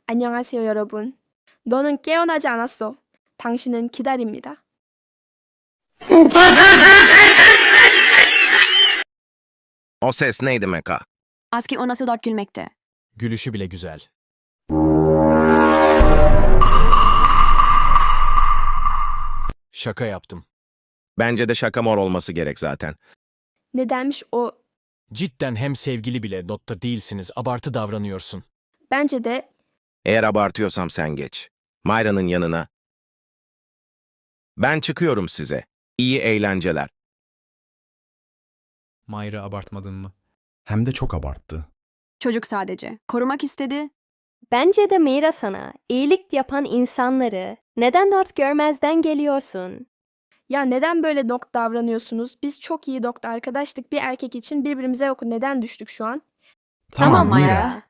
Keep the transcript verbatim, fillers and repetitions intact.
안녕하세요, 여러분. 너는 깨어나지 않았어. 당신은 기다립니다. O ses ne demek ha? Aski o nasıl dört gülmekte. Gülüşü bile güzel. Şaka yaptım. Bence de şaka mor olması gerek zaten. Nedenmiş o? Cidden hem sevgili bile notta değilsiniz, abartı davranıyorsun. Bence de Eğer abartıyorsam sen geç. Mayra'nın yanına. Ben çıkıyorum size. İyi eğlenceler. Mayra abartmadın mı? Hem de çok abarttı. Çocuk sadece. Korumak istedi. Bence de Mira sana iyilik yapan insanları neden dört görmezden geliyorsun? ya neden böyle dok davranıyorsunuz? Biz çok iyi doktor arkadaştık. Bir erkek için birbirimize yok. Neden düştük şu an? Tamam Mayra.